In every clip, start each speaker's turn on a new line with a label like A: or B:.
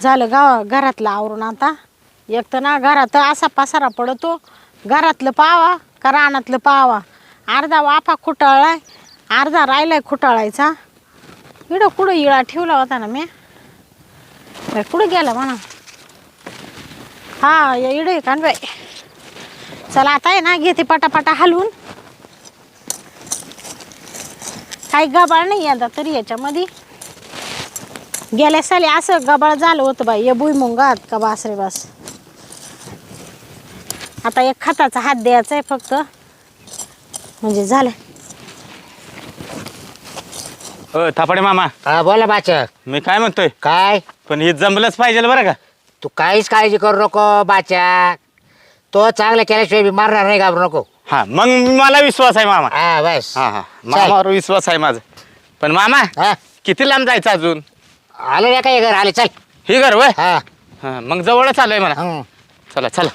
A: झालं घरातलं आवरून आता. एक तर ना घरात असा पसारा पडतो, घरातलं पावा का रानातलं पावा. अर्धा वाफा खुटाळलाय, अर्धा राहिलाय खुटाळायचा. इडं कुठं इळा ठेवला होता ना मी, कुठं गेला म्हणा. हा या इडं आहे कान बाई. चला आता आहे ना घेते पटापटा हलवून. काही गबाळ नाही आता तरी याच्यामध्ये. गेल्या साली असं गबाळ झालं होतं बाई या भुईमुंगात का बास रे बास. आता एक खताचा हात द्यायचा आहे फक्त, म्हणजे झालं.
B: थापाडे मामा.
C: हा बोला बाचा.
B: मी काय म्हणतोय,
C: काय
B: पण हे जमलंच पाहिजे बरं का.
C: तू काहीच काळजी करू नको बाचा. तो चांगला केल्याशिवाय बी मारणार नाही, घाबरू नको.
B: हा मग मला विश्वास आहे मामा.
C: हा बस.
B: हा हा मामावर विश्वास आहे माझा. पण मामा
C: हा
B: किती लांब जायचं अजून.
C: आलो रे काय घर आले चल.
B: हे घर वय.
C: हा
B: हा मग जवळच आलोय म्हणा.
C: हं.
B: चला चला.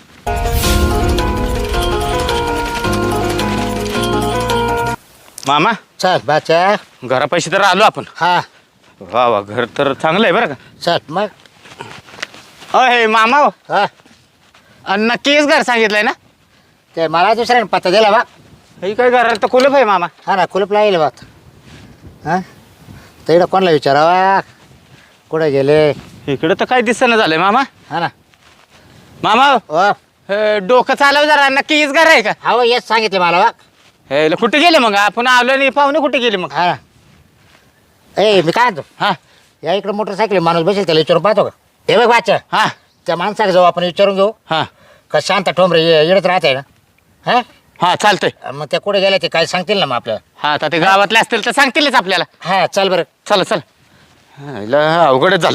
B: मामा
C: चल बाचा.
B: घरापाशी तर आलो आपण.
C: हा
B: वा वा घर तर चांगलं आहे बरं का.
C: चल मग.
B: अय मामा हो.
C: हा
B: नक्कीच घर सांगितलंय ना.
C: ते मला दुसऱ्याने पत्ता दिला बा.
B: हे काय घराला तर कुलूप आहे मामा.
C: हा ना कुलूप लागेल बा. हा तर इकडं कोणाला विचारावा कुठे गेले.
B: इकडं तर काय दिसणं झालंय मामा.
C: हा ना
B: मामा हो.
C: ओ
B: डोकं चालव जरा. नक्कीच घर आहे का.
C: हो येच सांगितले मला बा.
B: हे कुठे गेले मग आपण आलो नाही पाहुणे कुठे गेले मग.
C: हा ना ए मी काय म्हणतो,
B: हा
C: या इकडं मोटरसायकल माणूस बसेल त्याला विचारून पाहतो का. हे बघ बाचा,
B: हा
C: त्या माणसाला जाऊ आपण विचारून घेऊ
B: हा
C: का शांत ठोंबरे येडत राहते ना. हा
B: हा चालतंय.
C: मग त्या कुठे गेल्या ते काय सांगतील ना मग आपल्याला.
B: हा आता ते गावातले असतील तर सांगतीलच आपल्याला.
C: हा चल बरं.
B: चला चला. हिला अवघडच झालं.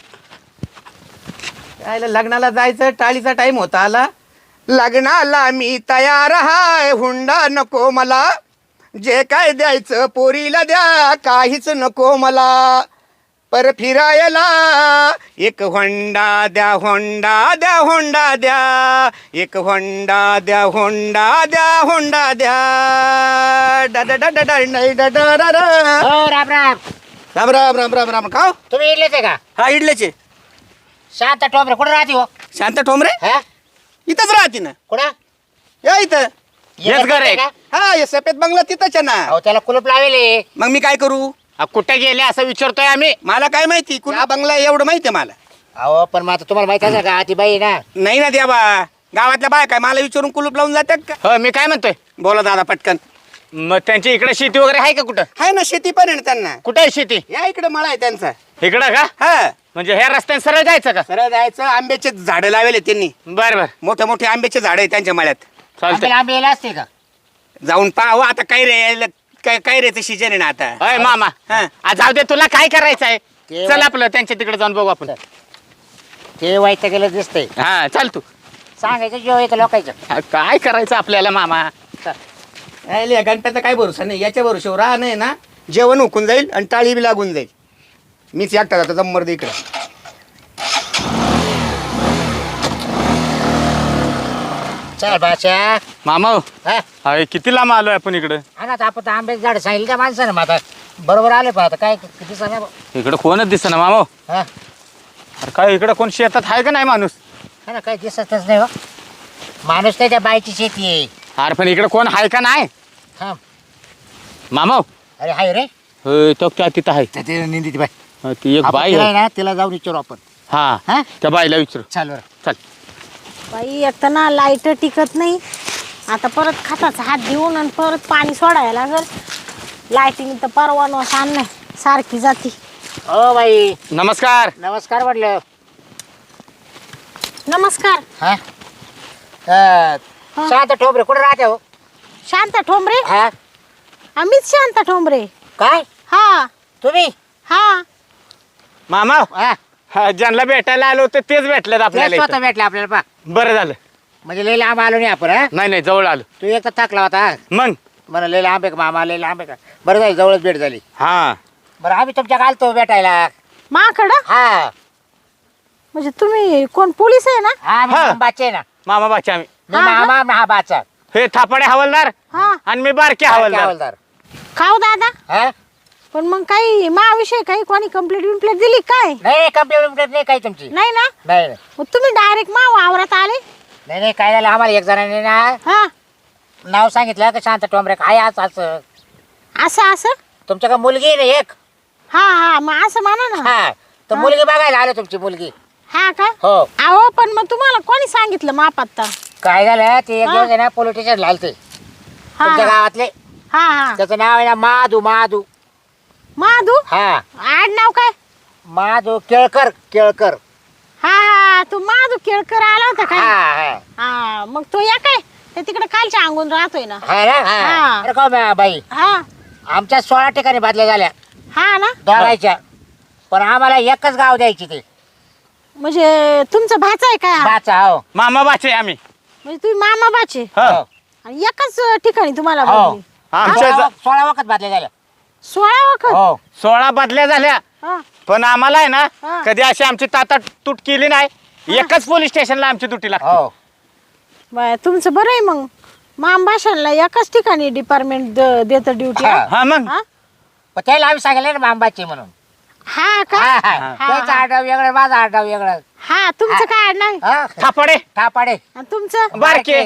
D: यायला लग्नाला जायचं, टाळीचा टाइम होता आला. लग्नाला मी तयार हाय, हुंडा नको मला, जे काय द्यायचं पोरीला द्या, काहीच नको मला. पर फिरायला एक होंडा द्या, होंडा द्या, होंडा द्या, एक होंडा द्या, होंडा द्या, होंडा द्या. डा डा डा डा डा नाही डा डा डा डा.
C: हो राम राम.
D: राम राम राम राम राम. का हो?
C: तुम्ही इडलेच आहे का.
D: हा इडल्याचे.
C: शांत ठोंबरे कुठे राहते हो.
D: शांत ठोंबरे
C: हा
D: इथंच राहते ना.
C: कुठं
D: या इथं.
B: हेच घर आहे
C: का.
D: हा हे सफेद बंगला तिथंच आहे ना.
C: अहो त्याला कुलूप लावेले.
D: मग मी काय करू.
B: कुठे गेले असं विचारतोय आम्ही.
D: मला काय माहिती कुणा बंगला आहे एवढं माहिती आहे मला.
C: अहो पण मग आता तुम्हाला माहिती असेल का ती बाई ना.
D: नाही ना द्या बा. गावातल्या बाय काय मला विचारून कुलूप लावून जातात का.
B: हो मी काय म्हणतोय,
D: बोला दादा पटकन.
B: मग त्यांची इकडे शेती वगैरे आहे का कुठं.
D: आहे ना शेती पण आहे ना त्यांना.
B: कुठे आहे शेती.
D: या इकडे मळा आहे त्यांचा.
B: इकडं का.
D: हा
B: म्हणजे ह्या रस्त्याने सरळ जायचं का.
D: सरळ जायचं. आंब्याचे झाडं लावले त्यांनी.
B: बर बर
D: मोठे मोठे आंब्याचे झाड आहे त्यांच्या मळ्यात.
B: चालतंय.
C: आंबे यायला असते का.
D: जाऊन पाहू आता. काय रे काय रेचं सीजन आहे ना आता.
B: अय मामा
D: हा.
B: जाऊ दे तुला काय करायचं आहे.
C: ते
B: चल आपलं त्यांच्या तिकडे जाऊन बघू आपण.
C: ते वाईट गेलं दिसतंय.
B: हा चल तू.
C: सांगायचं जेव्हा येतं लोकांचं.
B: हा, काय करायचं आपल्याला मामा.
D: या गणपतीचा काय भरोसा नाही. याच्या भरोशावर राह नाही ना. जेवण हुकून जाईल आणि टाळी बी लागून जाईल. मीच एकटा जातो जम्मर दे इकडे.
C: चल बाचा.
B: मामा हो.
C: हा
B: अरे किती लांब आलोय आपण इकडे.
C: हा ना आपण आंब्याचे झाड सांगितलं त्या माणसानं. मग आता बरोबर आले पण आता काय किती सांगा.
B: इकडे कोणच दिसत ना मामा हो.
C: हा
B: अरे काय इकडे कोण शेतात आहे का नाही माणूस.
C: हा ना काही दिसतच नाही हो. माणूस नाही त्या बाईची शेती आहे.
B: अरे पण इकडे कोण आहे का नाही
C: हा
B: मामा हो.
C: अरे हाय रे.
B: होय, तो क्या तिथं आहे.
C: ते निंदी ती बाई.
B: हा, ती एक
C: आपण
B: बाई
C: तिला
B: आहे.
C: आहे ना तिला जाऊन विचारू आपण.
B: हा
C: हा
B: त्या बाईला विचारू.
C: चाल बरं.
B: चल.
A: बाई एक तर ना लाईट टिकत नाही. आता परत खताचा हात देऊन आणि परत पाणी सोडायला लागल. लाईटिंग तर परवाना नाही सारखी जाती.
C: हो बाई
B: नमस्कार.
C: नमस्कार म्हटलं.
A: नमस्कार.
C: हा शांत ठोंबरे कुठे राहते हो.
A: शांता ठोंबरे.
C: हा
A: आम्हीच शांता ठोंबरे.
C: काय
A: हा
C: तुम्ही.
A: हा
B: मामा हो.
C: हा
B: हा, ज्यांना भेटायला आलो होते तेच भेटलेत
C: तेच
B: आपल्याला
C: स्वतः
B: इथं.
C: भेटले आपल्याला पा.
B: बरं झालं.
C: म्हणजे लई लांब आलो नाही आपण. हा
B: नाही नाही जवळ आलो.
C: तू एक तर थकला होता.
B: मग
C: मला लई लांब आहे का मामा लई लांब आहे का. बरं झाली जवळच भेट झाली.
B: हा
C: बरं आम्ही तुमच्या घालतो भेटायला.
A: माकडं.
C: हा
A: म्हणजे तुम्ही कोण पोलीस आहे ना.
C: हा मी
B: हा.
C: बाचे ना.
B: मामा बाच्या आम्ही.
C: मी
A: हा,
C: मामा हा बाचा.
B: हे थापाडे हवालदार
A: हा
B: आणि मी बारके हवालदार.
C: हवालदार.
A: खाऊ दादा.
C: हा
A: पण मग काही माझ्याविषयी काही कोणी कंप्लेंट दिली काय?
C: नाही कंप्लेंट नाही काही तुमची.
A: नाही ना?
C: नाही नाही
A: मग तुम्ही डायरेक्ट मा वावरात आले?
C: नाही काय झालं आम्हाला एक जणांनी ना
A: हा
C: नाव सांगितलं का शांत टोंबरे काय असं असं.
A: असं असं?
C: तुमच्या का मुलगी आहे ना एक.
A: हा हा मग असं म्हणा ना.
C: हा तर मुलगी बघायला आलो तुमची मुलगी.
A: हा का?
C: हो.
A: अहो पण मग तुम्हाला कोणी सांगितलं मापात्ता?
C: काय झालं ते एक दिवस आहे ना पोलीस स्टेशन आलते
A: हा
C: तुमच्या गावातले.
A: हा हा
C: त्याचं नाव आहे ना महादू महादू.
A: माधू?
C: हा
A: आडनाव काय?
C: महादू केळकर केळकर.
A: हा हा तू माधू केळकर आला होता
C: हा
A: काय?
C: हा
A: हा मग तो या काय ते तिकडे खालच्या अंगून राहतोय ना.
C: हा ना हा.
A: हा.
C: अरे का बाई
A: हा
C: आमच्या 16 ठिकाणी बादल्या झाल्या
A: हा ना.
C: दोघायच्या पण आम्हाला एकच गाव द्यायची ते.
A: म्हणजे तुमचा भाचा आहे काय हा?
C: बाचा हो.
B: मामा बाचे आम्ही.
A: म्हणजे तुम्ही मामा बाचे
B: हो.
C: हो.
A: आणि एकाच ठिकाणी तुम्हाला
C: हो.
A: बदली?
B: आमच्या
C: 16 वखत बादल्या झाल्या.
A: 16 वखत?
C: हो
B: 16 बदल्या झाल्या
A: हा.
B: पण आम्हाला आहे ना
A: हा.
B: कधी अशी आमची ताता तूट केली नाही. एकच पोलीस स्टेशनला आमची दुटी लागते.
C: हो
A: बाय तुमचं बरं आहे मग. माम भाषांना एकाच ठिकाणी डिपार्टमेंट देतं ड्युटी.
C: हा.
B: हा मग
C: पण त्याला आम्ही सांगितलं ना मांबाची म्हणून.
A: हा का?
C: हा, हा.
A: हा,
C: त्याचा
A: हा.
C: आडनाव वेगळं माझा आडनाव वेगळं.
A: हा तुमचं काय आडनाव आहे?
C: हा
B: थापडे
C: थापाडे.
A: आणि तुमचं?
B: बारके.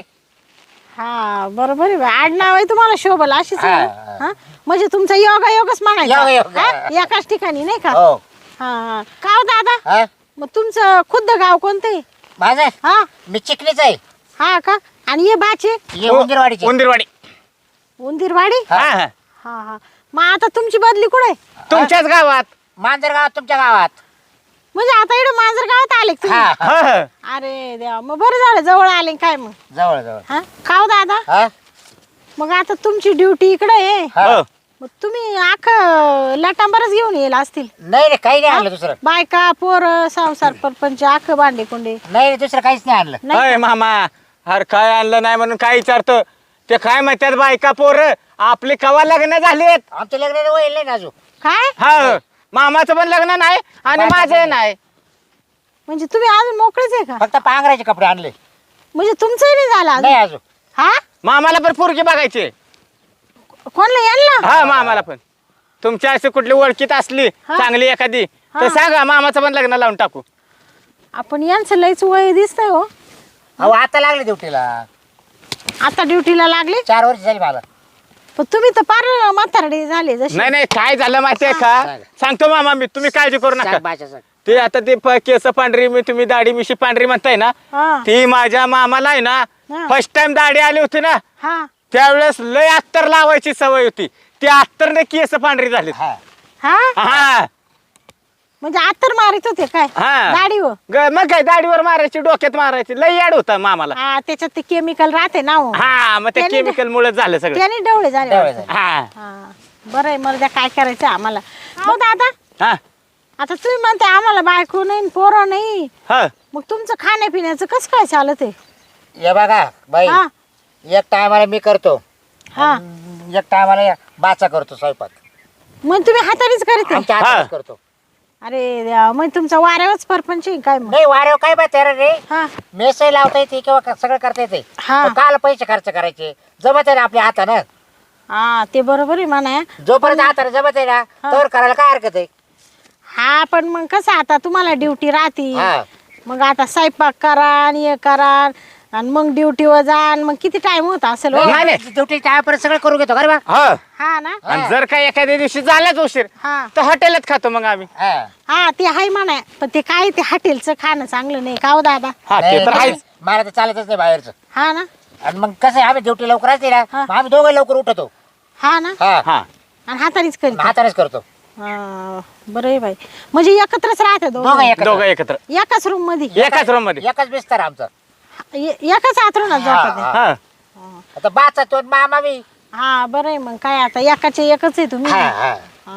A: हा बरोबर आहे बाई. आडनाव आहे तुम्हाला शोभल अशीच आहे
C: हा,
A: ना? हा म्हणजे तुमचा योगायोगच म्हणायचा.
C: योगायोग.
A: हा? एकाच ठिकाणी नाही का?
C: हो
A: हा हा का हो दादा
C: हा
A: मग तुमचं खुद्द गाव कोणतं आहे?
C: माझं
A: हा
C: मी चिकणीच आहे.
A: हा का? आणि ये बाचे
C: ये उंदीरवाडीचे.
B: उंदीरवाडी.
A: उंदीरवाडी?
B: हा हा.
A: हा हा मग आता तुमची बदली कुठे?
B: तुमच्याच गावात.
C: मांजर गावात तुमच्या गावात.
A: म्हणजे आता इकडे मांजर गावात आले का तुम्ही?
C: हा
B: हा, हा.
A: अरे देवा मग बरं झालं जवळ आले काय मग.
C: जवळ जवळ.
A: हा का हो दादा
C: हा
A: मग आता तुमची ड्युटी इकडे आहे
C: हा.
B: हो.
A: मग तुम्ही लाटांबरच घेऊन येईल असतील.
C: नाही रे काही नाही आणलं दुसरं.
A: बायका पोर संसार परपंच भांडे कुंडे
C: नाही रे दुसरं काहीच नाही आणलं.
A: नाही
B: अय मामा अरे काय आणलं नाही म्हणून काय विचारतो. ते काय म्हणतात बायका पोर आपले कवा लग्न झालेत.
C: आमचं लग्न होईल नाही ना अजून.
A: काय
B: हा मामाचं पण लग्न नाही आणि
C: बायका
B: माझं
C: पण
B: नाही.
A: म्हणजे तुम्ही अजून मोकळेच आहे का?
C: फक्त पांघरायचे कपडे आणले.
A: म्हणजे तुमचंही नाही झालं अजून?
C: नाही अजून.
A: हा
B: मामाला पण पोरगी बघायची.
A: कोणला यांना?
B: हा मामाला पण. तुमच्या अशी कुठली ओळखीत असली
A: हा.
B: चांगली एखादी
A: हा.
B: तर सांगा मामाचं पण लग्न लावून टाकू.
A: आपण यांचं लयच वय दिसतंय हो.
C: अहो आता लागले ड्युटीला.
A: आता ड्युटीला लागले
C: 4 वर्ष झाली मला.
A: पण तुम्ही तर पार म्हातारडे झाले जसे.
B: नाही नाही काय झालं माहितीये का
C: सांगा.
B: सांगतो मामा मी तुम्ही काळजी करू नका.
C: सांग भाषा सांग.
B: ते आता ते केस पांढरी मी तुम्ही दाढी मिशी पांढरी म्हणताय ना
A: हा
B: ती माझ्या मामाला आहे ना
A: हा.
B: फर्स्ट टाइम दाढी आली होती ना
A: हा
B: त्यावेळेस लय अत्तर लावायची सवय होती. ती अत्तरने केस पांढरी झाली.
C: हा
A: हा
B: हा
A: म्हणजे आतर मारित होते काय
B: हा.
A: गाडी हो?
B: मग काय दाढीवर मारायची डोक्यात मारायची लय याड होता मामाला.
A: हा त्याच्यात ते केमिकल राहते ना हो.
B: हा मग ते
A: त्याने-
B: केमिकल मुळे झालं सगळं.
A: त्याने डवळे झाले
C: डवळे
A: वाटतं.
C: झाले.
B: हा
A: हा बरं आहे मला त्या काय करायचं आम्हाला. हो दादा
B: हा
A: आता तुम्ही म्हणते आम्हाला बायको नाही पोरं नाही
B: हा
A: मग तुमचं खाण्यापिण्याचं कसं काय चालत आहे?
C: हे बघा बाई
A: हा
C: एक टायमाला मी करतो.
A: हा
C: एक टायमाला बाचा करतो स्वयंपाक.
A: मग तुम्ही हातानेच करते?
C: आमच्या
B: हा.
C: हातानेच करतो.
A: अरे देवा, मग तुमचा वाऱ्यावरच परपंच आहे काय मग?
C: नाही वारेव काय बात आहे रे.
A: हा
C: मेसही लावता येते किंवा सगळं करता येते.
A: हा.
C: पण काल पैसे खर्च करायचे जमत आहे ना आपल्या हातानं.
A: हा ते बरोबर आहे म्हणा.
C: जोपर्यंत हाताने जमत आहे ना
A: हा.
C: तर करायला काय हरकत आहे.
A: हा पण मग कसं आता तुम्हाला ड्युटी राहते
C: हा.
A: मग आता स्वयंपाक करा आणि हे करा आणि मग ड्युटीवर जा आणि मग किती टाइम होता असेल हो?
B: नाही, नाही.
C: ड्युटी टायपर्यंत सगळं करून घेतो बरं बा.
B: हा
A: हा ना
B: आणि जर का एखाद्या दिवशी झालाच उशीर
A: हा
B: तर हॉटेलात खातो मग आम्ही.
C: हा.
A: हा ते आहे म्हणा पण ते काय ते हॉटेलचं खाणं चांगलं नाही का हो दादा?
B: हा ते
C: नाही,
B: तर आहेच.
C: मला तर चालतच नाही बाहेरचं.
A: हा ना
C: आणि मग कसं आहे आम्ही ड्युटी लवकर असते ना
A: हा.
C: मग आम्ही दोघं लवकर उठतो.
A: हा ना
C: हा
B: हा
A: आणि हातानेच करीत
C: हातानेच करतो.
A: बरं आहे बाई म्हणजे एकत्रच राहते
C: दोघं
A: दोघं
C: एकत्र.
B: दोघं एकत्र
A: एकाच रूम मध्ये
B: एकाच रूम मध्ये.
C: एकच बिस्तर आमचं.
A: एकाच आतरुणात झोपत
C: हा.
B: हा
C: आता बाचा तो मामा मी.
A: हा बरं आहे मग काय आता एकाचे एकच आहे तुम्ही.
C: हा हा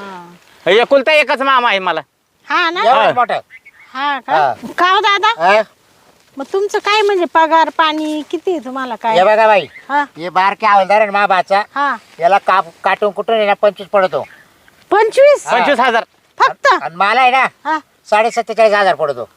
A: हा
B: एकुलता एकच मामा आहे मला.
A: हा ना
C: एवढंच मोठं.
A: हा का
C: हा.
A: का हो दादा
C: हा.
A: मग तुमचं काय म्हणजे पगार पाणी किती आहे तुम्हाला काय?
C: हे बघा बाई
A: हा
C: हे बारके हवालदार आहे ना बाचा
A: हा
C: याला काटून कुठून आहे ना 25 पडतो.
A: 25
C: हा.
B: 25,000.
A: फक्त
C: आणि मला आहे ना
A: हा
C: 47,500 पडतो.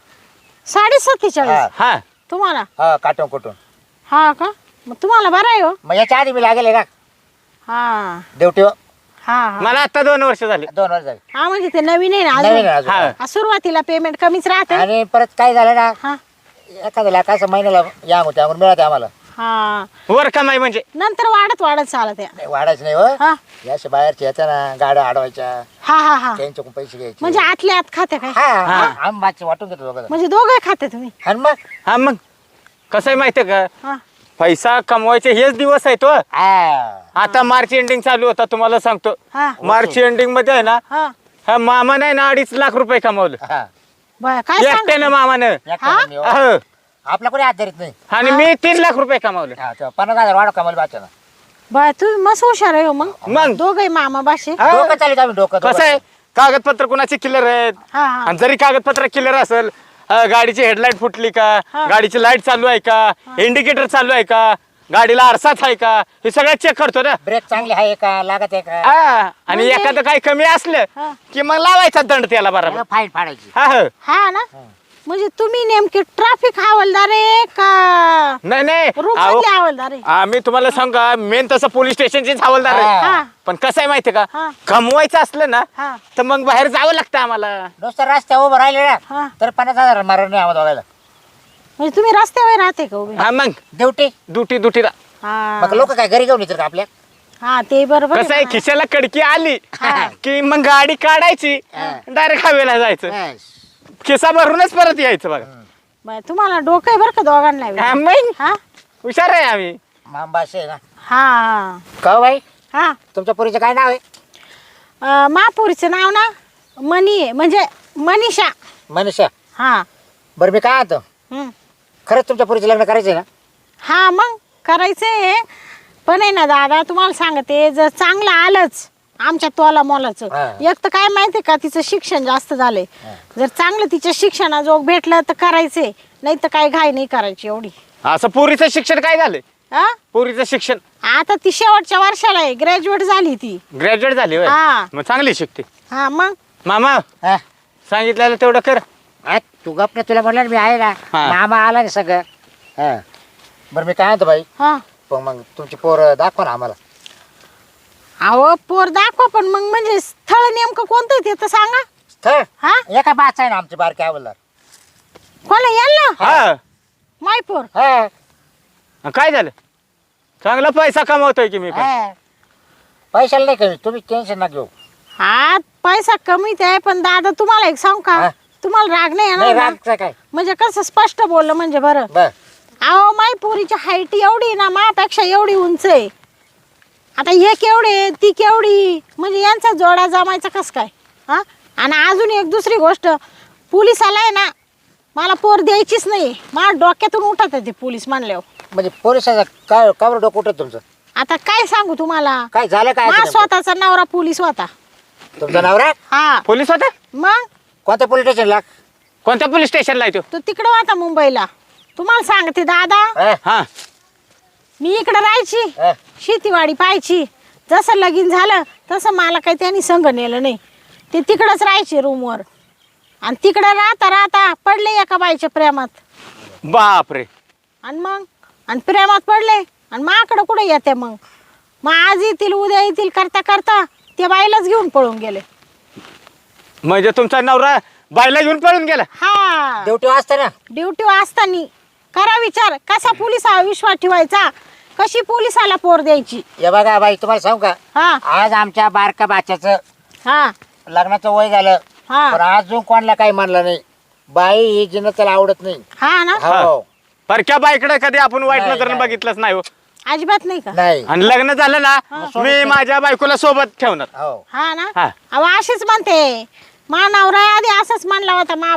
A: 47,500
C: हा.
B: हा
A: तुम्हाला?
C: हा काटून कुठून.
A: हा का मग तुम्हाला बरं आहे हो.
C: मग याच्या आधी मी लागेल ना
A: हा
C: ड्युटी.
A: हा हा
B: मला आता 2 वर्ष झाले.
C: 2 वर्ष झाले.
A: हा म्हणजे ते नवीन आहे ना
C: नवीन आहे
A: अजून.
C: अजून.
A: हा, सुरुवातीला पेमेंट कमीच राहते.
C: आणि परत काय झालं ना,
A: हा
C: एखाद्या लाखाचं महिन्याला या होते आम्हाला मिळते आम्हाला.
A: हा
B: वर कमाई म्हणजे
A: नंतर वाढत वाढत चालत आहे.
C: नाही, वाढायचं नाही हो.
A: हा
C: याशी बाहेरचे येत्या ना गाड्या अडवायच्या,
A: हा हा हा
C: त्यांच्याकडून पैसे घ्यायचे.
A: म्हणजे आतल्या आत खाते काय?
C: हा आम्ही मागचे वाटून घेतो दोघं.
A: म्हणजे दोघे खाते तुम्ही?
C: आणि मग
B: हा मग कसं आहे माहितीये का,
A: हा
B: पैसा कमवायचे हेच दिवस आहेत हो.
C: हा.
B: आता मार्च एंडिंग चालू होता तुम्हाला सांगतो.
A: हा
B: मार्च एंडिंग मध्ये आहे ना,
A: हा
B: हा मामा नाही ना 2.5 लाख रुपये कमवलं
C: हा.
A: बरं काय सांग
B: एकट्यानं मामानं.
C: एकट्यानं मी हो.
B: अहो.
C: आपला कोणी हात धरीत नाही.
B: आणि मी 3 लाख रुपये कमावले.
C: हा, तेव्हा 50,000 वाढव कमाल बाच्यानं.
A: बरं तुम्ही मस्त हुशार आहे हो मग.
B: मग
A: दोघे मामा बाशे.
B: हा.
C: डोकं चालू आम्ही डोकं
B: कसं आहे, कागदपत्र कुणाचे क्लिअर आहेत.
A: हा हा
B: आणि जरी कागदपत्र क्लिअर असेल, गाडीची हेडलाईट फुटली का,
A: हा.
B: गाडीची लाईट चालू आहे का, इंडिकेटर चालू आहे का, गाडीला आरसाच आहे का, हे सगळं चेक करतो ना.
C: ब्रेक चांगले आहे का, लागत आहे का,
B: हा. आणि
A: म्हणजे?
B: एखादं काही कमी असलं
A: हा.
B: की मग लावायचा दंड त्याला बरोबर.
C: फाईन फाडायची.
B: हा हा.
A: हा ना म्हणजे तुम्ही नेमके ट्रॅफिक हवालदार आहे का
B: नाही नाही
A: रूम
B: अहो,
A: मधले हवालदार आहे?
B: आम्ही तुम्हाला सांगा मेन तसं पोलीस स्टेशनचीच हवालदार आहे.
C: हा.
A: हा
B: पण कसं आहे माहितीये का,
A: हा.
B: कमवायचं असलं ना
A: हा
B: तर मग बाहेर जावं लागतं आम्हाला.
C: नुसतं रस्त्यावर उभं राहिले ना
A: हा
C: तर 50,000 मारण नाही आम्हाला दोघायला.
A: म्हणजे तुम्ही रस्त्यावर राहते का उभे?
B: हा मग
C: ड्युटी.
B: दुटीला
A: हा
C: मग लोक काय घरी घेऊन येतात का आपल्या?
A: हा ते बरोबर
B: कसं आहे,
A: म्हणा.
B: खिशाला कडकी आली
A: हा.
B: की मग गाडी काढायची, डायरेक्ट हवेला जायचं,
C: बस.
B: खिसा भरूनच परत यायचं बघा.
A: बरं, तुम्हाला डोकं आहे बरं का दोघांना बी?
B: हा, मग
A: हा
B: हुशार आहे आम्ही.
C: मांबाशी आहे ना.
A: हा
C: का हो बाई,
A: हा
C: तुमच्या पुरीचं काय नाव आहे?
A: महापुरीचं नाव ना मनी आहे, म्हणजे मनीषा.
C: मनीषा.
A: हा
C: बरं मी काय आता
A: हम्म.
C: खरंच तुमच्या पुरीचं लग्न करायचंय ना?
A: हा मग करायचंय, पण आहे ना दादा तुम्हाला सांगते, जर चांगलं आलंच आमच्या तोला मोलाचं,
C: हा.
A: एक तर काय माहितीये का तिचं शिक्षण जास्त झालंय, जर चांगलं तिच्या शिक्षणाजोग भेटलं तर करायचंय, नाही तर काय घाई नाही करायची एवढी.
B: असं पोरीचं शिक्षण काय झालंय?
A: हा
B: पोरीचं शिक्षण
A: आता ती शेवटच्या वर्षाला आहे, ग्रॅज्युएट झाली ती.
B: ग्रॅज्युएट झाली होय?
A: हा.
B: मग चांगली शिकते.
A: हा मग
B: मामा
C: हा?
B: सांगितलेलं तेवढं कर.
C: आ, तू गप ना, तुला म्हणलं ना मी आहे ना.
B: हा.
C: मामा आला ना सगळं. हा. बरं मी काय म्हणतो बाई,
A: हा
C: पण मग तुमची पोर दाखवा ना आम्हाला.
A: अहो पोर दाखवा, पण मग म्हणजे स्थळ नेमकं कोणतं आहे ते तर सांगा.
C: स्थळ
A: हा
C: एका बाच आहे ना आमची बारकी आवडला.
A: कोणा यांना
B: हा.
A: मायपोर?
C: हा.
B: काय झालं? चांगला पैसा कमवतोय की मी पण.
C: हा. पैशाला नाही कमी, तुम्ही टेन्शन ना घेऊ.
A: हा पैसा कमीच आहे, पण दादा तुम्हाला एक सांगू
C: हा.
A: का, तुम्हाला राग नाही
C: नाही
A: येणार ना?
C: रागचं काय.
A: म्हणजे कसं स्पष्ट बोललं म्हणजे बरं.
C: बर
A: अहो माय पोरीची हाईट एवढी आहे ना, मापेक्षा एवढी उंच आहे. आता हे केवढे ती केवढी, म्हणजे यांचा जोडा जमायचा कस काय? हा आणि अजून एक दुसरी गोष्ट, पोलिसाला आहे ना मला पोर द्यायचीच नाही, मला डोक्यातून उठत आहे ते पोलीस म्हणल्यावर.
C: म्हणजे पोलिसाचा काय का बरं डोकं उठत तुमचं?
A: आता काय सांगू तुम्हाला,
C: काय झालं काय?
A: माझा
C: नेमकं?
A: स्वतःचा नवरा पोलीस होता.
C: तुमचा नवरा
A: हा
B: पोलीस होता?
A: मग
C: कोणत्या पोलीस स्टेशनला?
B: कोणत्या पोलीस स्टेशनला आहे तो?
A: तो तिकडं होता मुंबईला. तुम्हाला सांगते दादा,
C: हा?
B: हा.
A: मी इकडं राहायची,
C: हा.
A: शेतीवाडी पाहायची. जसं लगीन झालं तसं मला काही त्यांनी संग नेलं नाही, ते तिकडंच राहायचे रूमवर. आणि तिकडं राहता राहता पडले एका बाईच्या प्रेमात.
B: बापरे.
A: आणि मग आणि प्रेमात पडले आणि माकडं कुठे येते मग आज येतील उद्या येतील करता करता त्या बाईलाच घेऊन पळून गेले.
B: म्हणजे तुमचा नवरा बायला घेऊन पळून गेला?
A: हा
C: ड्युटी वाजता ना.
A: ड्युटी असताना करा विचार, कसा पोलिसावर विश्वास ठेवायचा, कशी पोलिसाला पोर द्यायची.
C: हे बघा बाई तुम्हाला सांगू का,
A: हा
C: आज आमच्या बारका बाच्याचं
A: हा
C: लग्नाचं वय झालं,
A: हा
C: पण अजून कोणाला काही म्हणलं नाही. बाई ही जिनं त्याला आवडत नाही.
A: हा ना,
C: हो
B: परक्या बाईकडे कधी आपण वाईट
C: नाही,
B: नजरेनं
C: नाही.
B: बघितलंच नाही हो.
A: अजिबात नाही का?
C: नाही.
B: आणि लग्न झालं ना, मी माझ्या बायकोला सोबत ठेवणार.
C: हो
A: हा ना,
B: हा.
A: अहो अशीच म्हणते. मा नवरा आधी असंच म्हणला होता मा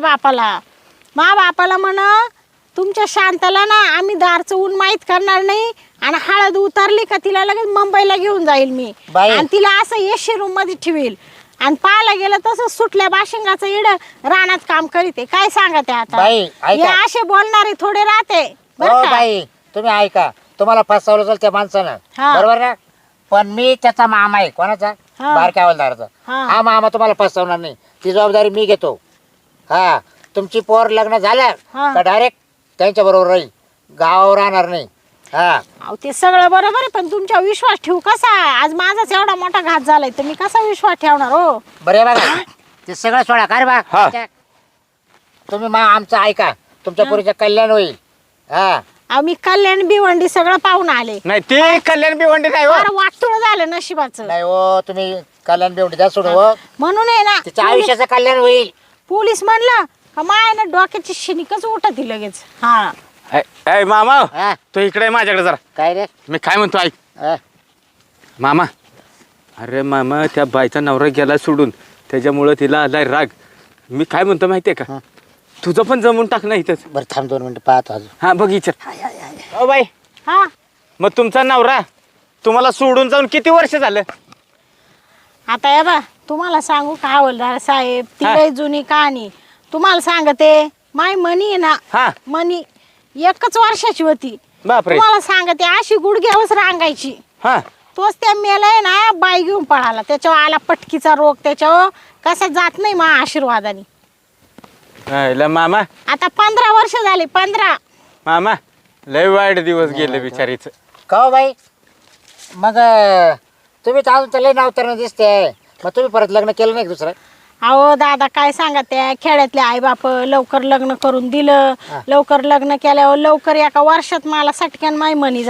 A: बापाला म्हण, तुमच्या शांताला ना आम्ही दारचं ऊन माहीत करणार नाही, आणि हळद उतरली का तिला लगेच मुंबईला घेऊन जाईल मी,
C: बाई.
A: आणि तिला असं एशी रूम मध्ये ठेवील. आणि पाहायला गेलं तसं सुटल्या बाशिंगाचं इड रानात काम करीते. काय सांगा ते आता,
C: बाई,
A: हे
C: ऐका.
A: असे बोलणारे थोडे राहते
C: हो
A: बरं का?
C: बाई तुम्ही ऐका, तुम्हाला फसवलं असेल त्या माणसानं,
A: हा.
C: बरोबर ना? पण मी त्याचा मामा आहे. कोणाचा?
A: हा.
C: बारक्या हवालदाराचा.
A: हा.
C: हा मामा तुम्हाला फसवणार नाही, ती जबाबदारी मी घेतो. हा तुमची पोर लग्न झालं
A: हा.
C: का डायरेक्ट त्यांच्या बरोबर राहील, गावावर राहणार नाही. हा
A: अहो ते सगळं बरोबर आहे, पण तुमच्यावर विश्वास ठेवू कसा? आज माझाच एवढा मोठा घात झालाय तर मी कसा विश्वास ठेवणार हो?
C: बरे बघा ते सगळं सोडा का रे बा
B: हा.
C: तुम्ही आमचं ऐका तुमच्या पोरीचं कल्याण होईल. हा
A: अहो मी कल्याण भिवंडी सगळं पाहून आले.
B: नाही ती कल्याण भिवंडी नाही हो.
A: फार वाटतुळ झालं नशिबाचं.
C: नाही हो तुम्ही कल्याण बेवडी द्या सोडू हो.
A: म्हणून आहे ना
C: तिच्या आयुष्याचं कल्याण होईल.
A: पोलीस म्हणलं का माय ना डोक्याची शिनिकच उठत लगेच. हा
B: ए मामा
C: हा
B: तू इकडे माझ्याकडे जरा.
C: काय रे
B: मी काय म्हणतो ऐक
C: हा.
B: मामा. अरे मामा त्या बाईचा नवरा गेला सोडून त्याच्यामुळं तिला आलाय राग. मी काय म्हणतो माहितीये का
C: हा.
B: तुझं पण जमून टाक ना इथंच.
C: बरं थांब 2 मिनिटं पाहतो अजून.
B: हा बघ विचार. हो बाई
A: हा
B: मग तुमचा नवरा तुम्हाला सोडून जाऊन किती वर्ष झालं?
A: आता या बा तुम्हाला सांगू का हवालदार साहेब ती
B: हा.
A: लय जुनी कहाणी. तुम्हाला सांगते माय मनी आहे ना
B: हा
A: मनी 1 वर्षाची होती.
B: बापरे.
A: तुम्हाला सांगते अशी गुडघ्यावरच रांगायची.
B: हा
A: तोच त्या मेलाय ना बाई घेऊन पळाला. त्याच्यावर आला पटकीचा रोग. त्याच्यावर कसा जात नाही मा आशीर्वादाने.
B: आयला मामा
A: आता 15 वर्ष झाले 15.
B: मामा लय वाईट दिवस गेले बिचारीच.
C: का हो बाई मग तुम्ही तर अजून तर लय नावताना दिसते. मग तुम्ही परत लग्न केलं नाही का दुसरं?
A: अहो दादा काय सांगा त्या खेड्यातले आई बाप लवकर लग्न करून दिलं.
C: हा.
A: लवकर लग्न केल्यावर लवकर 1 वर्षात मला सटक्यान माई मनी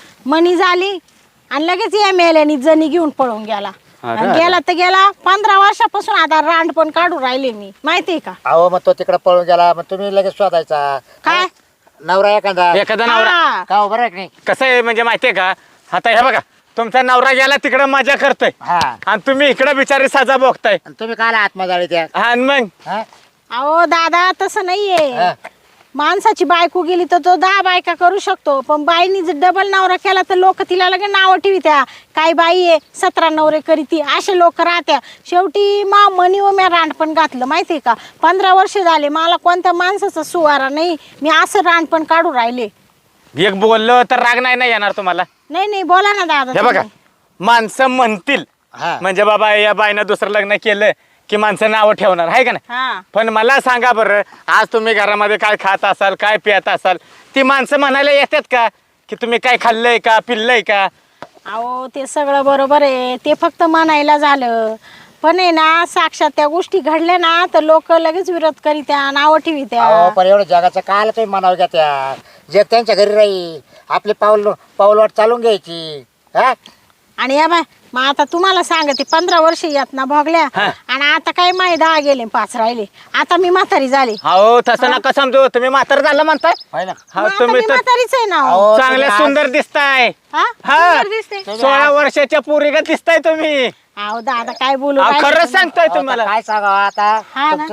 A: झाली आणि लगेच या मेल्यानी जणी घेऊन पळून गेला.
B: अरे,
A: आणि गेला तर गेला 15 वर्षापासून आता रांड पण काढून राहिले मी माहितीये का?
C: अहो मग तो तिकडे पळून गेला मग तुम्ही लगेच शोधायचा.
A: काय?
C: नवरा एखादा
B: एखादा नवरा
A: हा.
C: का हो बरं आहे की नाही?
B: कसं आहे म्हणजे माहितीये का आता हे बघा तुमचा नवरा गेला तिकडे मजा करतोय
C: हा
B: आणि तुम्ही इकडे बिचारी सजा भोगताय.
C: आणि तुम्ही काला आत्मजाळी त्या
B: हा आणि मग
C: हा?
A: अहो दादा तसं नाहीये.
C: हा.
A: माणसाची बायको गेली तर तो 10 बायका करू शकतो. पण बाईनी जर डबल नवरा केला तर लोक तिला लगे नावं ठेवित्या. काय बाई आहे 17 नवरे करीती असे लोक राहत्या. शेवटी मा मनी व म्या रांडपण घातलं माहितीये का? 15 वर्ष झाले मला कोणत्या माणसाचा सुवारा नाही. मी असं रांडपण काढून राहिले.
B: एक बोललो तर राग नाही ना येणार तुम्हाला.
A: नाही बोला ना दादा
B: हे बघा
A: तुम्ही.
B: माणसं म्हणतील
C: हा.
B: म्हणजे बाबा या बाईनं दुसरं लग्न केलं की माणसं नावं ठेवणार आहे का नाही.
A: हा
B: पण मला सांगा बरं आज तुम्ही घरामध्ये काय खात असाल काय पित असाल ती माणसं म्हणायला येतात का की तुम्ही काय खाल्लंय का पिल्लंय का?
A: अहो ते सगळं बरोबर आहे. ते फक्त म्हणायला झालं. पण आहे ना साक्षात त्या गोष्टी घडल्या ना तर लोक लगेच विरोध करीत्या नावं ठेवित्या.
C: अहो पण एवढं जगाचं काल तुम्ही म्हणावं घ्या त्या जग त्यांच्या घरी राहील. आपली पाऊलवाट चालून घ्यायची. हा
A: आणि या बाय मग आता तुम्हाला सांगते 15 वर्ष यात ना भोगल्या
B: हा.
A: आणि आता काय माय 10 गेले 5 राहिले. आता मी म्हातारी झाली.
B: हो तसं नका समजू तुम्ही म्हातार झालं म्हणताय.
C: पाहिलं
B: हा
A: मग आता
B: तुम्ही
A: मी
B: तर
A: म्हातारीच आहे ना हो.
C: अहो,
B: चांगल्या
C: तुम्ही
B: सुंदर दिसताय.
A: हा?
B: हा.
A: सुंदर दिसते.
B: 16 वर्षाच्या पोरीगत दिसताय तुम्ही.
A: अहो दादा काय बोलू
B: अहो,
A: राहिले
B: खरंच
A: तुम्ही?
B: सांगतोय
C: अहो,
B: तुम्हाला.
C: तर काय सांगावं आता
A: हा ना.
C: तुमचं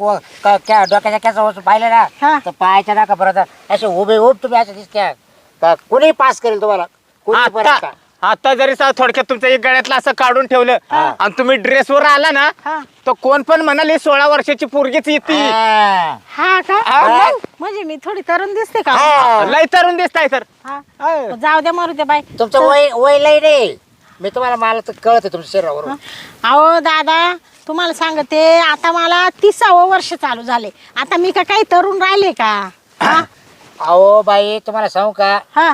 C: जर डोक्याच्या कॅचा वस्तू पाहिलं
A: हा.
C: ना तर पायाच्या नका परत असे उभे तुम्ही असं दिसत्या का कुणी पास करेल तुम्हाला कुणी परत
B: आता
C: का?
B: आता जरी थोडक्यात तुमच्या एक गळ्यातलं असं काढून ठेवलं आणि तुम्ही ड्रेसवर आला ना
A: हा.
B: तर कोण पण म्हणाले 16 वर्षाची पोरगीच येते.
C: हा.
A: हा का?
B: हा, मग.
A: म्हणजे मी थोडी तरुण दिसते का?
C: हा.
B: लय तरुण दिसताय तर.
A: हा. जाऊ द्या मारू द्या बाई.
C: तुमचं वय लय नाही मी तुम्हाला मला तर कळत आहे तुमच्या शरीरावर.
A: अहो दादा तुम्हाला सांगते आता मला 30वं वर्ष चालू झाले. आता मी का काही तरुण राहिले का? हा?
C: अहो बाई तुम्हाला सांगू का
A: हा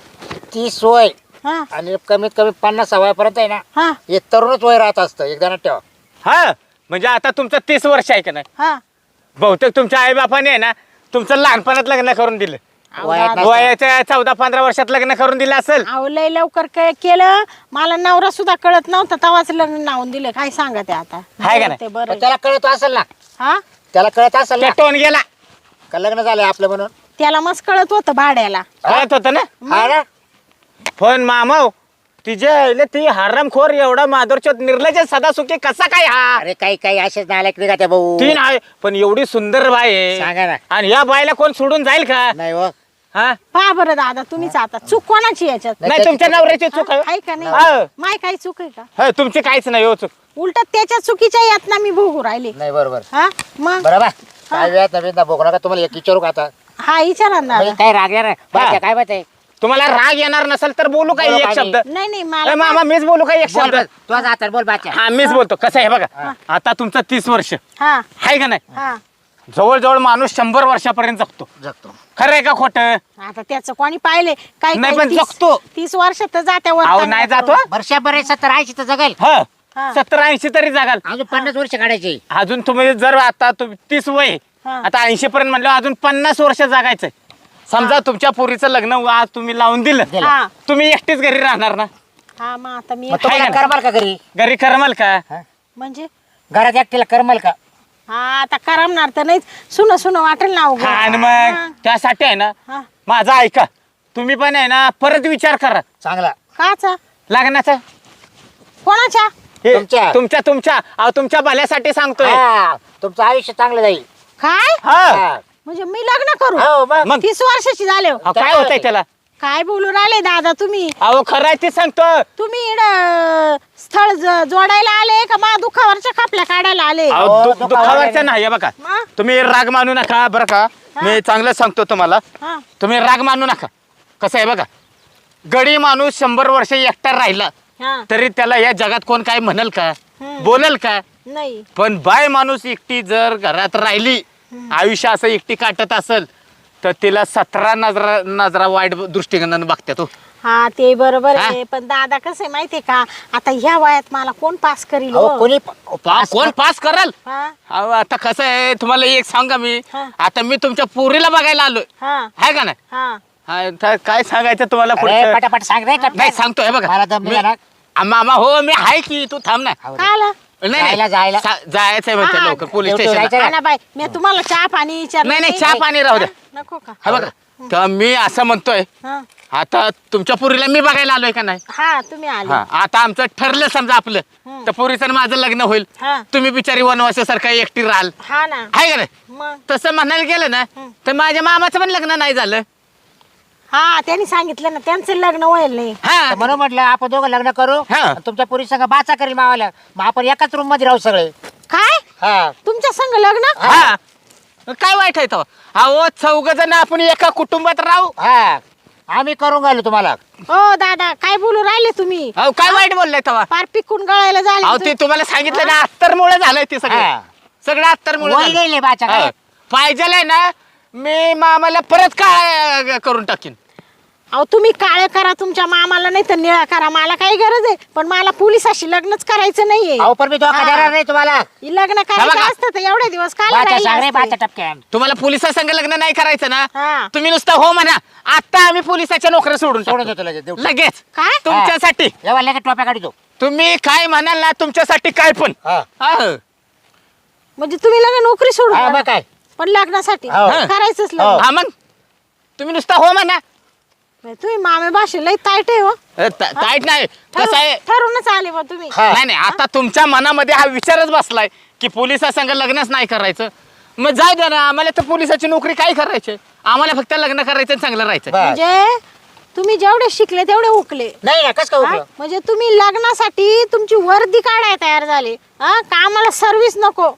C: 30 वय
A: हा
C: आणि कमीत कमी 50 वयापर्यंत आहे ना
A: हा
C: हे तरुणच वय राहत असतं एकदा ना ठेवा.
B: हा म्हणजे आता तुमचं 30 वर्ष आहे का नाही.
A: हा
B: बहुतेक तुमच्या आई बापाने आहे ना तुमचं लहानपणात लग्न करून दिलं.
A: अहो
C: वयात
A: दादा,
C: नसतं.
B: वयाच्या 14-15 वर्षात लग्न करून दिलं असेल.
A: अहो लय लवकर केलं. मला नवरा सुद्धा कळत नव्हता तेव्हाच लग्न लावून दिलं. काय सांगा ते आता
B: हाय का नाही?
A: ते बरं
C: पण त्याला कळत असेल ना
A: हा
C: त्याला कळत असेल
B: ते
C: ना
B: टोन गेला
C: का लग्न झालंय आपलं म्हणून.
A: त्याला मस्त कळत होतं भाड्याला.
B: कळत होतं ना.
C: हा ना
B: पण मामाव तिचे ती हरामखोर एवढा माधुरचोत निर्लज सदा सुखी कसा काय हा.
C: अरे काही असेच नालायक निघा त्या भाऊ.
B: ती नाही पण एवढी सुंदर बाई आहे
C: सांगा ना.
B: आणि या बाईला कोण सोडून जाईल का?
C: नाही हो
B: हा
A: पहा बरं दादा तुम्हीच आता चूक कोणाची याच्यात?
B: नाही तुमच्या नवऱ्याची चूक आहे.
A: आहे का नाही?
B: हा.
A: माय काही चूक आहे का?
B: हा, तुमची काहीच नाही हो चूक.
A: उलट त्याच्या चुकीच्या यात ना मी भोगू राहिले.
C: नाही बरोबर
A: हा मग
C: बरोबर काय वेळात नवीन ना बघू नका तुम्हाला एक विचारू का आता
A: हा विचारा ना
C: म्हणजे
A: दादा.
C: काय राग येणार बाकी काय माहिती
B: तुम्हाला राग येणार नसेल तर बोलू काय
C: बोलू
B: एक
C: काय
B: शब्द.
A: नाही
B: ए,
A: मला
B: मामा मीच बोलू काय एक शब्द.
C: तू आता बोल बाच्या
B: हा मीच बोलतो. कसं आहे बघा आता तुमचं 30 वर्ष
A: हा
B: आहे का नाही.
A: हा
B: जवळजवळ माणूस 100 वर्षापर्यंत जगतो.
C: जगतो.
B: खरं आहे का खोटं?
A: आता त्याचं कोणी पाहिले काही
B: नाही,
A: काही
B: पण जगतो.
A: 30 वर्षात तर जात्या
B: अहो नाही जातो
C: वर्षभर 70-80 तर जगेल.
B: ह
A: हा.
B: 70-80 तरी जागाल.
C: अजून 50 वर्ष काढायची.
B: अजून तुम्ही जर आता 30 वय
A: हा.
B: आता 80 पर्यंत म्हणलं अजून 50 वर्ष जगायचंय. समजा तुमच्या पोरीचं लग्न आज तुम्ही लावून दिलं,
A: हा
B: तुम्ही एकटीच घरी राहणार ना?
A: हा मग आता मी
C: मग तुम्हाला
B: आहे का?
C: करमाल का घरी?
B: घरी करमाल का?
C: हा?
A: म्हणजे
C: घरात एकटीला करमाल का?
A: हा आता करमणार तर नाहीच, सुन वाटेल ना उगाच.
B: हा, आणि मग
A: हा.
B: त्यासाठी आहे ना
A: हा.
B: माझा ऐका, तुम्ही पण आहे ना परत विचार करा
C: चांगला.
A: काचा
B: लग्नाचा.
A: कोणाच्या?
B: हे
C: तुमच्या.
B: तुमच्या अहो तुमच्या भल्यासाठी सांगतोय.
C: हा, तुमचं आयुष्य चांगलं जाईल.
A: काय
B: हा
C: हा.
A: म्हणजे मी लग्न करू?
C: हो मग.
B: मग
A: 30 वर्षाची झाले हो.
B: अहो, काय होतंय त्याला?
A: काय बोलू राहिले दादा तुम्ही?
B: अहो खरं आहे ते सांगतो.
A: तुम्ही इकडं स्थळ जोडायला आले का मा दुखावरच्या खापल्या काढायला आले?
B: अहो
C: हो, दुखावलं
B: दुखावरचं
C: नाही.
B: नाही हे बघा,
A: हा?
B: तुम्ही राग मानू नका बरं का. मी चांगलं सांगतो तुम्हाला,
A: हा.
B: तुम्ही राग मानू नका. कसं आहे बघा, गडी माणूस 100 वर्ष एकटा राहिला
A: हा.
B: तरी त्याला या जगात कोण काय म्हणल का,
A: हम्म.
B: बोलल का?
A: नाही.
B: पण बाय माणूस एकटी जर घरात राहिली, आयुष्य असं एकटी काटत असेल तर तिला 17 नजरा वाईट दृष्टिकोनानं बघतात तो.
A: हा ते बरोबर
B: हा?
A: आहे, पण दादा कसं आहे माहितीये का, आता ह्या वयात मला कोण पास करील
C: अहो,
A: हो?
C: कोणी
B: कोण पास करल?
A: हा?
B: अहो, आता कसं आहे तुम्हाला एक सांगा मी,
A: हा.
B: आता मी तुमच्या पोरीला बघायला आलोय,
A: हा.
B: आहे का नाही?
A: हा.
B: हा, तर काय सांगायचं तुम्हाला
C: अरे,
B: पुढचं?
C: पटापट सांग रे.
B: नाही सांगतोय बघा.
C: मला दम निघा ना.
B: मामा हो मी आहे की, तू थांब ना.
C: हो.
A: काय आला?
B: नाही
C: जायला.
B: जायचंय म्हणते
A: हा,
B: लवकर पोलीस
C: ड्युटी
B: स्टेशनला.
C: जायचंय.
A: हा ना बाई, मी तुम्हाला चहा पाणी विचारलं
B: नाही नाही चहा पाणी राहू द्या.
A: हा? नको का?
B: हा बघा, तर मी असं म्हणतोय,
A: हा.
B: आता तुमच्या पोरीला मी बघायला आलोय का नाही?
A: हा तुम्ही आले.
B: हा, आता आमचं ठरलं समजा आपलं, तर पोरीचं आणि माझं लग्न होईल.
A: हा.
B: तुम्ही बिचारी वनवासासारखा एकटी राहाल,
A: हा ना.
B: आहे का नाही?
A: मग
B: तसं म्हणायला गेलं ना तर माझ्या मामाचं पण लग्न नाही झालं.
A: हा त्यांनी सांगितलं ना त्यांचं लग्न होईल नाही.
B: हा
C: म्हणून म्हटलं आपण दोघं लग्न करू.
B: हा.
C: आणि तुमच्या पुरी संग बाचा करेल मावाला. मग आपण एकाच रूम मध्ये राहू सगळे.
A: काय
C: हा.
A: तुमच्या संग लग्न?
B: हा काय वाईट आहे तो? अहो 4 जण आपण एका कुटुंबात राहू.
C: हा. आम्ही करून घालू तुम्हाला.
A: हो दादा काय बोलू राहिले तुम्ही?
B: अहो काय वाईट बोललाय तेव्हा?
A: पार पिकून गळायला
B: अहो
A: झाले
B: ते तुम्हाला सांगितलं ना, अत्तरमुळे झालंय ते सगळं.
C: हा.
B: सगळं अत्तरमुळे
C: वय
B: झालंय.
C: गेले बाचा काय.
B: पाहिजे ना मी मामाला परत काय करून टाकीन.
A: अहो तुम्ही काळे करा तुमच्या मामाला, नाही तर निळा करा, मला काही गरज आहे, पण मला पोलिसाशी लग्नच करायचं नाहीये.
C: अहो पण मी धोका
A: हा.
C: देणार नाही तुम्हाला.
A: लग्न करायचं
B: बघा.
A: असतं तर एवढे दिवस काय
C: बाचा सांग रे बाचा टपक्यान.
B: तुम्हाला पोलिसांसंग लग्न नाही करायचं ना,
A: हा.
B: तुम्ही नुसतं हो म्हणा. आता आम्ही पोलिसाच्या नोकऱ्या सोडून
C: सोडून
B: टाकतो.
C: देतो लगेच देऊ.
B: लगेच
A: काय?
B: तुमच्यासाठी.
C: एवढा लगेच टोप्या काढतो.
B: तुम्ही काय म्हणाल ना तुमच्यासाठी काय पण.
C: हा.
B: हा.
A: म्हणजे तुम्ही लग्न नोकरी सोडून
C: हा, मग
A: द्या.
C: काय.
A: पण लग्नासाठी
C: हो.
A: करायचंच
C: हो.
A: लग्न.
B: हा मग तुम्ही नुसतं हो म्हणा.
A: तुम्ही मामे भाषे लई ताईट आहे हो.
B: ताईट नाही कसं आहे.
A: ठरूनच आले बा तुम्ही.
C: हा.
B: नाही नाही आता तुमच्या मनामध्ये हा विचारच बसलाय की पोलिसासंग लग्नच नाही करायचं. मग जाऊ द्या ना, आम्हाला तर पोलिसाची नोकरी काय करायची, आम्हाला फक्त लग्न करायचं आणि चांगलं राहायचं.
C: बस.
A: म्हणजे तुम्ही जेवढे शिकले तेवढे उकले.
C: नाही ना कस काय
A: हा?
C: उपयोग?
A: म्हणजे तुम्ही लग्नासाठी तुमची वर्दी काढाय तयार झाले, हा का आम्हाला सर्व्हिस नको?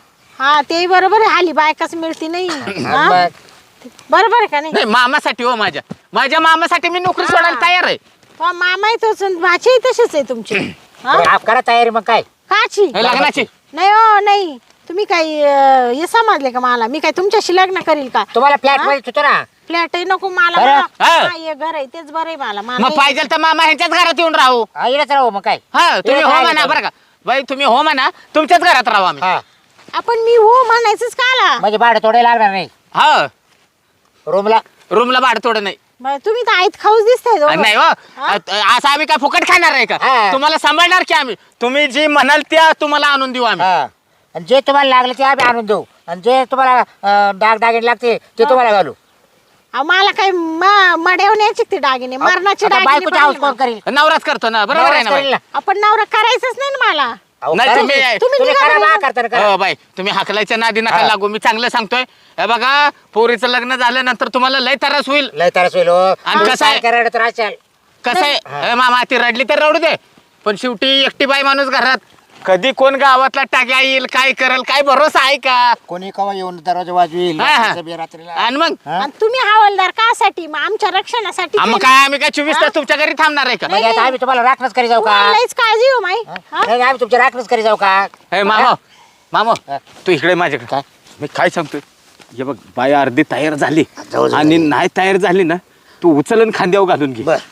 A: हा ते बरोबर आहे, हाली बायकाच मिळती नाही. हा?
C: मग.
A: बरोबर आहे का नाही?
B: नाही मामासाठी हो, माझ्या मामासाठी मी नोकरी सोडायला तयार आहे.
A: तो मामा तोच भाची तसेच आहे तुमची. हा?
C: बरं, आप करा तयारी मग काय.
A: काची?
B: हे लग्नाची
A: नाही हो नाही, तुम्ही काही हे समजले का मला? मी काय तुमच्याशी लग्न करील का?
C: तुम्हाला फ्लॅट मध्ये सुचो ना.
A: फ्लॅट आहे नको मला.
C: बरं.
B: हा.
A: हा, हे घर आहे तेच बरं आहे मला. मला
B: मग पाहिजे तर मामा ह्यांच्याच घरात येऊन राहू.
C: हा, इकडेच राहू मग काय.
B: हा तुम्ही
C: इकडे
B: हो
C: राहायला
B: म्हणा
C: जाऊ.
B: बरं का बाई, तुम्ही हो म्हणा, तुमच्याच घरात राहू आम्ही.
C: हा.
A: आपण मी हो म्हणायचंच का आला?
C: म्हणजे भाडं थोडे लागणार नाही
B: हा
C: रूमला.
B: रूमला भाडं थोडं नाही.
A: बरं, तुम्ही तर आईत खाऊच दिसताय दोघं.
B: नाही हो, असं आम्ही काय फुकट खाणार आहे का?
C: हा.
B: तुम्हाला सांभाळणार की आम्ही. तुम्ही जी म्हणाल त्या तुम्हाला आणून देऊ आम्ही.
C: हा. आणि जे तुम्हाला लागले ते आम्ही आणून देऊ. आणि जे तुम्हाला दागदागिने लागते ते तुम्हाला घालू.
A: अहो, मला काही मडवण्याचे ते दागिने, मरणाचे
C: आता
A: दागिने
C: बायकोचा हाऊस कोण
A: पाहिजे मला.
C: करील?
B: नवराच करतो ना, बरोबर आहे ना
C: नवराच
B: बाई?
C: करील ना.
A: आपण नवरा करायचंच नाही ना मला.
C: अहो,
B: नाही,
C: करा.
B: तुम्ही-
A: तुम्ही
C: तुम्ही
A: निघा
C: करा
A: बरं.
C: बा, करता करा.
B: हो बाई, तुम्ही हाकलायच्या नादी नका
C: हा.
B: लागू. मी चांगलं सांगतोय, हे बघा पोरीचं लग्न झाल्यानंतर तुम्हाला लय त्रास होईल.
C: लय तरस होईल हो.
B: आणि
C: तुम्ही
B: कसं आहे?
C: सारखं रडत राहशाल.
B: कसं आहे,
C: हा.
B: हे मामा ती रडली तर रडू दे, पण शेवटी एकटी बाई माणूस घरात, कधी कोण गावातला टाक्या येईल, काय करल, काय भरोसा आहे का?
C: कोणी कवा येऊन दरवाजा वाजवील
B: हा, हा.
C: रात्रीला.
B: आणि मग
C: हा?
A: आणि तुम्ही हवालदार कासाठी? मग आमच्या रक्षणासाठी
B: मग काय आम्ही काय 24 तास तुमच्या घरी थांबणार आहे का?
C: म्हणजे आता आम्ही तुम्हाला राखणच करी जाऊ का?
A: तुम्हाला लईच काळजी हो माई.
C: हा? नाही, आम्ही तुमच्या राखणच करी जाऊ का?
B: हे मामा, मामा
C: हा.
B: तू इकडे माझ्याकडे काय मी काय सांगतोय हे बघ बाई अर्धी तयार झाली
C: जाऊ, जाऊ.
B: आणि नाही तयार झाली ना तू उचलन खांद्यावर घालून घे.
C: बर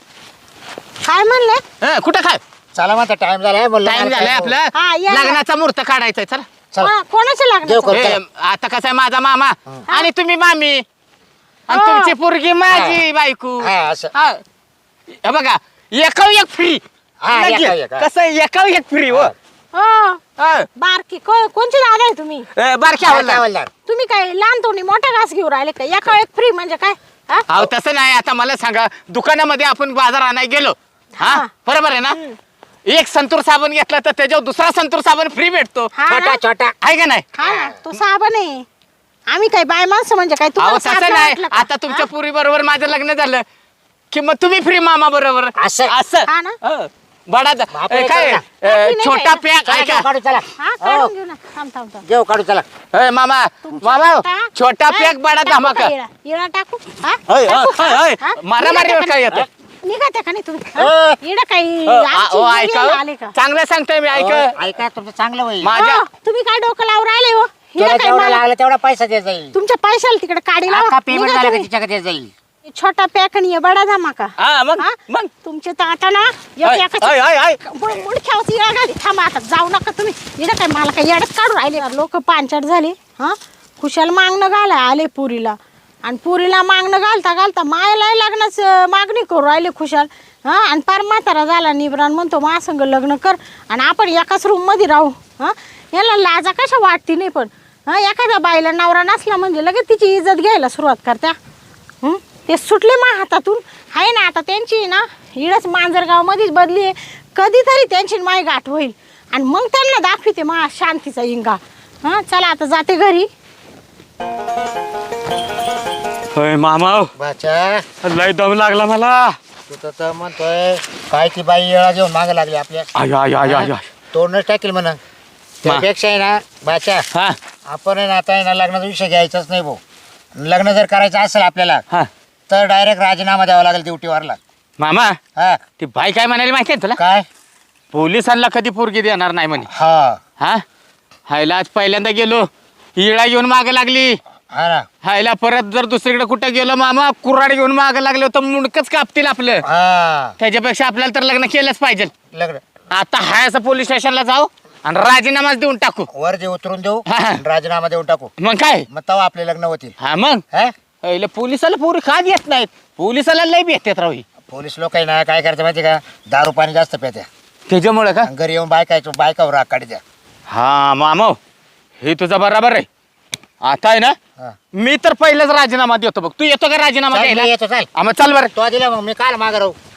A: काय म्हणले?
B: कुठं काय
C: चला म्हणता टाइम झालाय बोललो
B: टाइम
C: मला
B: झालाय
C: काय-
B: आपला
A: हा, या.
B: लग्नाचा मुहूर्त काढायचा चला.
C: चला
A: कोणाचं
C: देव
A: लागणार?
C: करू.
B: ए, आता कसं आहे माझा मामा आणि तुम्ही मामी आणि
A: हो.
B: तुमची पोरगी माझी बायको.
C: हा, असं.
B: हा. हे बघा एकाव एक फ्री.
C: हा, एकाव एक, हा.
B: कसं एकाव एक फ्री हो.
A: हो
B: हा.
A: बारकी कोणची दादा आहे तुम्ही?
B: बारकी
C: काय
B: आवडला.
C: बोलणार?
A: तुम्ही काय लहान तोंडी मोठा घास घेऊन राहिले का? एका एक फ्री म्हणजे काय? हा?
B: अहो तसं नाही आता मला सांगा दुकानामध्ये आपण बाजार आणायला गेलो हा
A: हा.
B: बरोबर आहे ना एक संतूर साबण घेतला तर त्याच्यावर दुसरा संतूर साबण फ्री भेटतो
A: हा ना?
C: छोटा छोटा
B: आहे का नाही
A: हा ना, तो साबण आहे. आम्ही काय बाय माणसं म्हणजे काय?
B: अहो
A: तुम्हाला
B: तसं
A: साबण
B: नाही
A: वाटलं का?
B: आता तुमच्या पुरी बरोबर माझं लग्न झालं की मग तुम्ही फ्री मामा बरोबर
C: असं?
A: हा ना?
B: हो. बडा
C: आपण हे
B: काय
C: करू
A: नाही
B: छोटा
A: काय?
B: पॅक
C: चला,
B: आहे
C: घेऊ
B: का
C: काढू चला
A: हा
C: हो,
A: काढून घेऊ ना. थांब थांब थांब.
C: घेऊ काढू चला
B: मामा मामा छोटा पॅक बडा
A: टाकू
B: धमाका
A: का इळा? इळा टाकू? हा?
B: होय,
A: टाकू
B: होय,
A: का?
B: होय.
A: हा?
B: मारामारीवर
A: निघा
B: काय
A: त्या
B: येतं?
A: निघा त्या का नाही तुम्ही?
C: हो.
A: हा? इळा काही आमची
B: ऐका
A: मुलीला आले का?
B: चांगलं सांगतोय मी ऐक
C: हो, ऐका तुमचं चांगलं होईल
B: माझ्या
A: हो, तुम्ही काय डोकं लावून राहिले हो?
C: तुला
A: हिला काय
C: जेवढा
A: मला-
C: लागला तेवढा पैसा द्यायचा जाईल
A: तुमच्या पैशाला तिकडे काढी
C: आता
A: लावा.
C: पेमेंट
A: निघा
C: झाला का
A: तुम्ही.
C: तिच्याकडे द्यायला जाईल
A: छोटा पॅक आणि हे बडा धमाका.
B: हा मग
A: हा?
B: मग
A: तुमचे तर आता ना एक
B: ऐ,
A: एकाची-
B: ऐ, ऐ, ऐ.
A: मुडख्यावरची येळ घाली. थांबा आता जाऊ नका तुम्ही. इकडे काय मला काय येडच काढून राहिले लोक पांचट झाले. हा खुशाल मागणं घालाय आले पुरीला आणि पुरीला मागणं घालता घालता मायला लग्नाच मागणी करू राहिले खुशाल. हा आणि पार म्हातारा झाला निबरान म्हणतो महासंग लग्न कर आणि आपण एकाच रूम मध्ये राहू. हा याला लाजा कशा वाटती नाही पण हा एखाद्या बाईला नवरा नसला म्हणजे लगेच तिची इज्जत घ्यायला सुरुवात करत्या. ते सुटले मा हातातून आहे ना आता त्यांची ना इडच मांजरगाव मध्येच बदली आहे. कधीतरी त्यांची माय गाठ होईल आणि मग त्यांना दाखविते मा शांतीचा इंगा. हा चला आता जाते घरी.
B: होय मामा
C: बाचा
B: लय दम लागला मला
C: तू तर म्हणतोय काय ती बाई येळा घेऊन मागे लागली आपल्या
B: आय आय आय आय आय.
C: तोडणंच टाकेल म्हणा त्यापेक्षा आहे ना बाचा
B: हा
C: आपण आहे ना आता आहे ना लग्नाचा विषय घ्यायचाच नाही भाऊ. लग्न जर करायचं असेल आपल्याला
B: हा
C: तर डायरेक्ट राजीनामा द्यावा लागेल ड्युटीवरला
B: मामा
C: हा
B: ती बाई काय म्हणाली माहिती आहे तुला
C: काय
B: पोलिसांना कधी पोरगी देणार नाही म्हणे
C: हा
B: हा हायला आज पहिल्यांदा गेलो हिळा घेऊन माग लागली
C: हा ना
B: हायला परत जर दुसरीकडे कुठं गेलो मामा कुऱ्हाड घेऊन माग लागलो तर मुंडकच कापतील आपलं
C: हा
B: त्याच्यापेक्षा आपल्याला तर लग्न केलंच पाहिजे
C: लग्न
B: आता हाय असं पोलीस स्टेशनला जाऊ आणि राजीनामाच देऊन टाकू
C: वर जे उतरून देऊ
B: हा.
C: आणि राजीनामा देऊन टाकू
B: मग काय
C: मग तेव्हा आपले लग्न होतील
B: हा मग
C: हा
B: हायला पोलिसाला पोरी का देत नाहीत पोलिसाला लय भेटतात राव ही.
C: पोलीस लोक आहे ना काय करायचं माहिती का दारू पाणी जास्त प्यात्या
B: त्याच्यामुळे का
C: आणि घरी येऊन बायकावर राग काढत्या
B: हा मामा हे तुझा बराबर आहे आता आहे ना
C: हा.
B: मी तर पहिलेच राजीनामा देतो बघ तू येतो का राजीनामा
C: चल,
B: द्यायला
C: मी येतो, चल.
B: हा, मग चल बरं
C: तो दिला मग मी काल मागे राहू